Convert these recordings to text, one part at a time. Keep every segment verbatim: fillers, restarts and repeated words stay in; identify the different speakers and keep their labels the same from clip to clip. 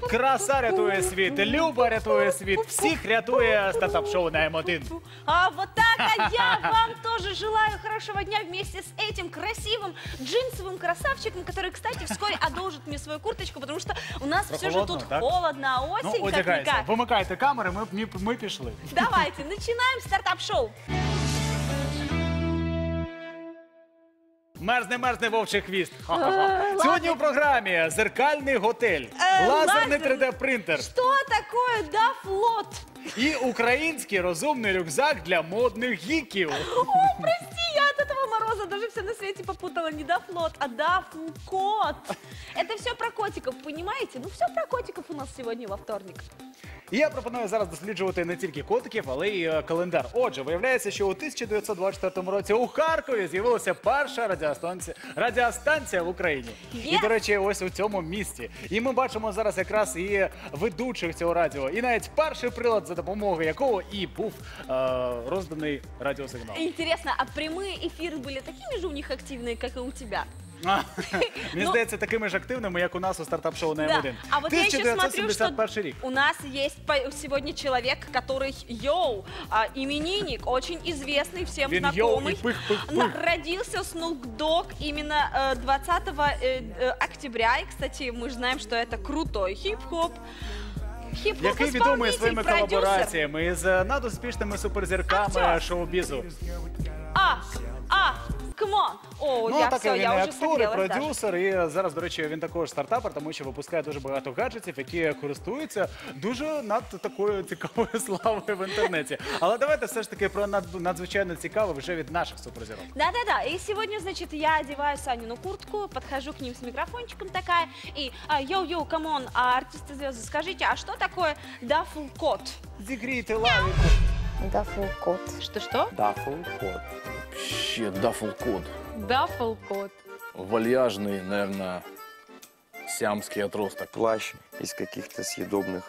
Speaker 1: Краса рятує світ, Люба рятує світ, всіх рятує стартап-шоу на М один.
Speaker 2: А вот так, а я вам тоже желаю хорошего дня вместе с этим красивым джинсовым красавчиком, который, кстати, вскоре одолжит мне свою курточку, потому что у нас все же тут
Speaker 1: так?
Speaker 2: холодно, а осень
Speaker 1: Ну, одягайся,
Speaker 2: как-никак.
Speaker 1: вимикайте камери, ми, ми, ми пішли.
Speaker 2: Давайте, начинаем стартап-шоу.
Speaker 1: Мерзне, мерзне вовчий хвіст. Ха-ха-ха. Сьогодні у програмі зеркальний готель,
Speaker 2: Е,
Speaker 1: лазерний
Speaker 2: лазер-
Speaker 1: три Д принтер
Speaker 2: Что такое Дафлот?
Speaker 1: і український розумний рюкзак для модних гіків.
Speaker 2: О, прости, я от этого мороза даже все на свете попутала. Не Дафлот, а Дафлкот. Это все про котиков, понимаете? Ну, все про котиков у нас сегодня во вторник.
Speaker 1: І я пропоную зараз досліджувати не тільки котиків, але й е, календар. Отже, виявляється, що у тисяча дев'ятсот двадцять четвертому році у Харкові з'явилася перша радіостанція, радіостанція в Україні.
Speaker 2: Є?
Speaker 1: І, до речі, ось у цьому місті. І ми бачимо зараз якраз і ведучих цього радіо, і навіть перший прилад, за допомогою якого і був е, розданий радіосигнал.
Speaker 2: Интересно, а прямые эфиры были такими же у них активные, как и у тебя?
Speaker 1: А, Мені
Speaker 2: Ну,
Speaker 1: здається, такими ж активними, як у нас у стартап-шоу на М
Speaker 2: Да.
Speaker 1: один.
Speaker 2: А вот я еще смотрю, что
Speaker 1: тисяча дев'ятсот сімдесят перший рік.
Speaker 2: у нас есть по- сегодня человек, который, йоу, а, именинник, очень известный, всем
Speaker 1: Він йоу
Speaker 2: знакомый.
Speaker 1: і пых-пых-пых.
Speaker 2: На- Родился Snoop Dogg именно э, двадцатого э, э, октября. И, кстати, мы же знаем, что это крутой хип-хоп. Хип-хоп
Speaker 1: Який відомий
Speaker 2: исполнитель,
Speaker 1: своїми
Speaker 2: продюсер.
Speaker 1: колабораціями із е, надуспішними суперзірками
Speaker 2: Актер.
Speaker 1: шоу-бізу.
Speaker 2: А, а, камон. О,
Speaker 1: Ну,
Speaker 2: я
Speaker 1: так
Speaker 2: все,
Speaker 1: він і
Speaker 2: я уже
Speaker 1: актор, і
Speaker 2: согрелась даже.
Speaker 1: продюсер, і зараз, до речі, він також стартапер, тому що випускає дуже багато гаджетів, які користуються дуже над такою цікавою славою в інтернеті. Але давайте все ж таки про над- надзвичайно цікаве вже від наших суперзірок.
Speaker 2: Да-да-да, и сегодня, значит, я одеваю Санину куртку, подхожу к ним с микрофончиком такая, и а, йоу-йоу, камон, а артисты-звезды, скажите, а что такое дафл-кот?
Speaker 1: Зігрійте лавіку.
Speaker 3: Дафл-кот.
Speaker 2: Что-что?
Speaker 4: Дафл-кот. Вообще, дафл-кот.
Speaker 2: Дафл-кот.
Speaker 4: Вальяжный, наверное, сиамский отросток.
Speaker 5: Плащ из каких-то съедобных...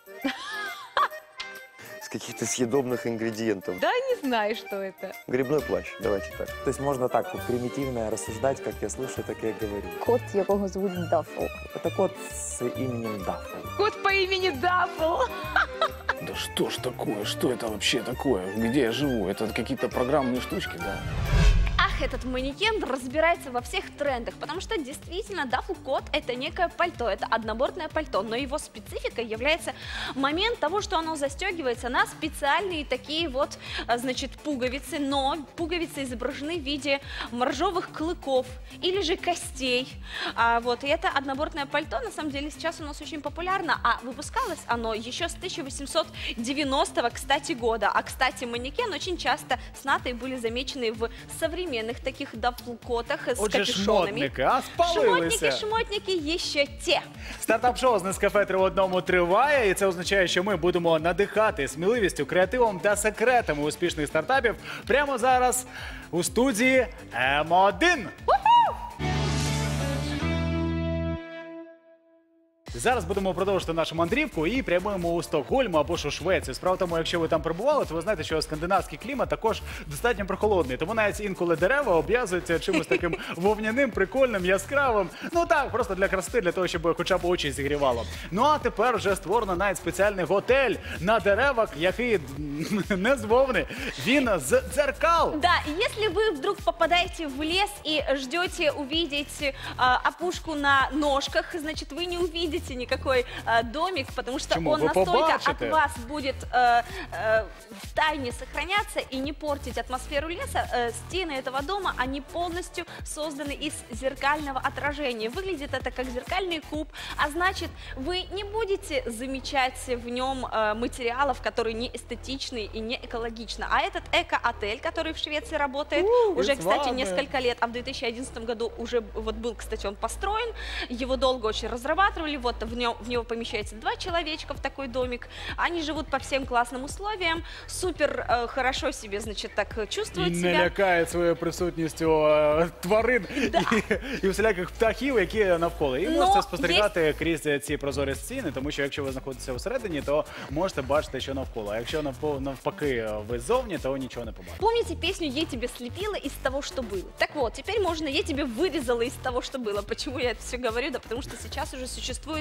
Speaker 5: С каких-то съедобных ингредиентов.
Speaker 6: Да, не знаю, что это.
Speaker 5: Грибной плащ, давайте так.
Speaker 7: То есть можно так вот примитивно рассуждать, как я слышу, так я и говорю.
Speaker 3: Кот, якого звуть Дафл.
Speaker 7: Это кот с именем Даффл.
Speaker 6: Кот по имени Дафл.
Speaker 4: Да что ж такое? Что это вообще такое? Где я живу? Это какие-то программные штучки, да?
Speaker 2: Ах, этот манекен разбирается во всех трендах, потому что действительно дафл-кот — это некое пальто, это однобортное пальто, но его спецификой является момент того, что оно застегивается на специальные такие вот, а, значит, пуговицы, но пуговицы изображены в виде моржовых клыков или же костей, а, вот, и это однобортное пальто, на самом деле, сейчас у нас очень популярно, а выпускалось оно еще с тысяча восемьсот девяностого, кстати, года, а, кстати, манекен очень часто с натой были замечены в современных таких дафл-котах с
Speaker 1: Отже,
Speaker 2: капюшонами.
Speaker 1: шмотники, а
Speaker 2: Шмотники,
Speaker 1: спалилися.
Speaker 2: шмотники ще те.
Speaker 1: Стартап-шоу з Нескафе три в одному триває, і це означає, що ми будемо надихати сміливістю, креативом та секретами успішних стартапів прямо зараз у студії М один. Зараз будемо продовжувати нашу мандрівку і прямуємо у Стокгольм або ж у Швецію. Справа в тому, якщо ви там перебували, то ви знаєте, що скандинавський клімат також достатньо прохолодний. Тому навіть інколи дерева обв'язуються чимось таким вовняним, прикольним, яскравим. Ну так, просто для краси, для того, щоб хоча б очі зігрівало. Ну а тепер вже створено навіть спеціальний готель на деревах, який не з вовни, він з дзеркал.
Speaker 2: Да, и если вы вдруг попадаете в лес и ждете увидеть а, опушку на ножках, значит, вы не увидите никакой а, домик, потому что
Speaker 1: Почему?
Speaker 2: он
Speaker 1: Вы
Speaker 2: настолько
Speaker 1: побачите.
Speaker 2: от вас будет а, а, в тайне сохраняться и не портить атмосферу леса. А, стены этого дома, они полностью созданы из зеркального отражения. Выглядит это как зеркальный куб, а значит, вы не будете замечать в нем а, материалов, которые не эстетичны и не экологичны. А этот эко-отель, который в Швеции работает
Speaker 1: У,
Speaker 2: уже,
Speaker 1: без
Speaker 2: кстати,
Speaker 1: ванны.
Speaker 2: несколько лет, а в две тысячи одиннадцатом году уже вот был, кстати, он построен, его долго очень разрабатывали, вот в, нем, в него помещается два человечка в такой домик, они живут по всем классным условиям, супер э, хорошо себе, значит, так
Speaker 1: І
Speaker 2: чувствуют
Speaker 1: не
Speaker 2: себя.
Speaker 1: лякає своєю присутністю е, тварин і, і всіляких птахів, які навколо. І
Speaker 2: Но
Speaker 1: можете спостерігати крізь ці прозорі стіни, тому що якщо ви знаходитеся всередині, то можете бачити, що навколо. А якщо навпо- навпаки ви ззовні, то нічого не побачите.
Speaker 2: Помните песню «Я тебе слепила из того, что было»? Так вот, теперь можно «Я тебе вырезала из того, что было». Почему я это все говорю? Да потому что сейчас уже существует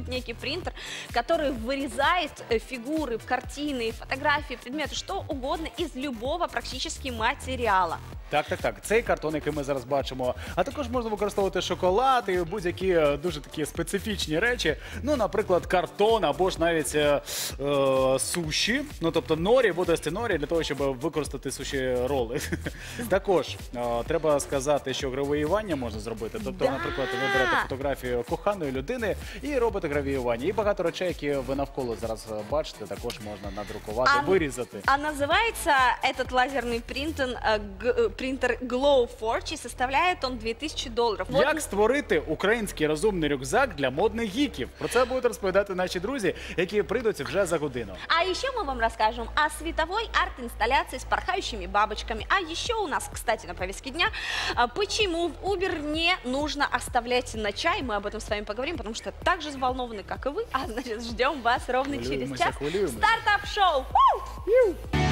Speaker 2: существует некий принтер, который вырезает э, фигуры, картины, фотографии, предметы, что угодно из любого практически материала.
Speaker 1: Так, так, так. Цей картон, який ми зараз бачимо, а також можна використовувати шоколад і будь-які е, дуже такі специфічні речі. Ну, наприклад, картон або ж навіть е, е, суші, ну тобто норі, водості норі, для того, щоб використати суші роли. Також е, треба сказати, що гравіювання можна зробити. Тобто,
Speaker 2: Да.
Speaker 1: наприклад, ви берете фотографію коханої людини і робите гравіювання. І багато речей, які ви навколо зараз бачите, також можна надрукувати,
Speaker 2: А-
Speaker 1: вирізати.
Speaker 2: А называется этот лазерный принтер, э, г- э, принтер Glowforge, и составляет он две тысячи долларов. Вот
Speaker 1: Як створити український розумний рюкзак для модних гіків? Про це будуть розповідати наші друзі, які прийдуть вже за годину.
Speaker 2: А еще мы вам расскажем о световой арт-инсталляции с порхающими бабочками. А еще у нас, кстати, на повестке дня, а, почему в Uber не нужно оставлять на чай. Мы об этом с вами поговорим, потому что так же взволнованы, как и вы. А значит, ждем вас ровно через
Speaker 1: Хвилюємося,
Speaker 2: час.
Speaker 1: хвилюємося.
Speaker 2: Стартап-шоу! Ву!